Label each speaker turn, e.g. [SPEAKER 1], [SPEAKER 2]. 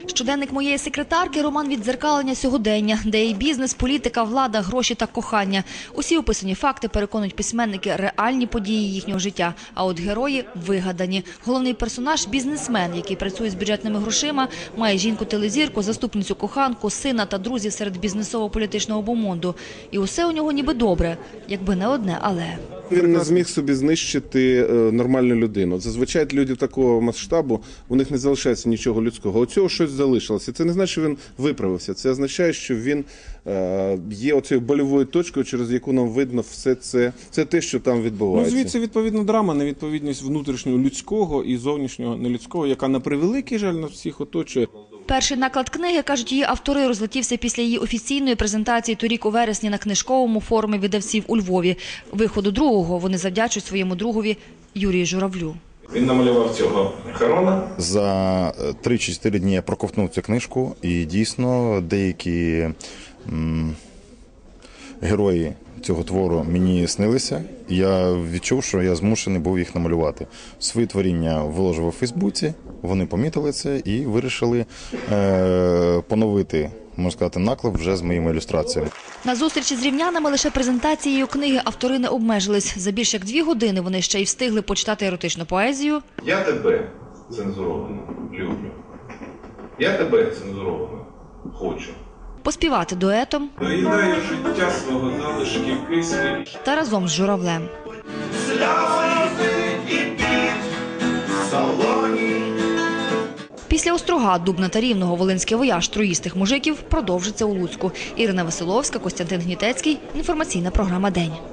[SPEAKER 1] Щоденник моєї секретарки – роман віддзеркалення сьогодення, де і бізнес, політика, влада, гроші та кохання. Усі описані факти, переконують письменники, реальні події їхнього життя, а от герої – вигадані. Головний персонаж – бізнесмен, який працює з бюджетними грошима, має жінку-телезірку, заступницю коханку, сина та друзів серед бізнесово-політичного бомонду. І усе у нього ніби добре, якби не одне «але».
[SPEAKER 2] Він не зміг собі знищити нормальну людину. Зазвичай люди такого масштабу, у них не залишається нічого людського. У цього щось залишилося. Це не значить, що він виправився. Це означає, що він є оцією больовою точкою, через яку нам видно все це. Це те, що там відбувається.
[SPEAKER 3] Ну, звідси відповідна драма, невідповідність внутрішнього людського і зовнішнього нелюдського, яка на превеликий жаль нас всіх оточує.
[SPEAKER 1] Перший наклад книги, кажуть її автори, розлетівся після її офіційної презентації торік у вересні на книжковому форумі видавців у Львові. Виходу другого вони завдячують своєму другові Юрію Журавлю.
[SPEAKER 4] Він намалював цього Харона.
[SPEAKER 5] За 3-4 дні я проковтнув цю книжку, і дійсно деякі герої цього твору мені снилися. Я відчув, що я змушений був їх намалювати. Свої творіння виложив у Фейсбуці, вони помітили це і вирішили поновити, можна сказати, наклеп вже з моїми ілюстраціями.
[SPEAKER 1] На зустрічі з рівнянами лише презентацією книги автори не обмежились. За більш як 2 години вони ще й встигли почитати еротичну поезію.
[SPEAKER 4] Я тебе цензуровано люблю. Я тебе цензуровано хочу.
[SPEAKER 1] Поспівати дуетом
[SPEAKER 4] Доїдаю життя свого залишків кислі.
[SPEAKER 1] та разом з Журавлем. Після Острога, Дубна та Рівного волинський вояж троїстих мужиків продовжиться у Луцьку. Ірина Василовська, Костянтин Гнітецький. Інформаційна програма «День».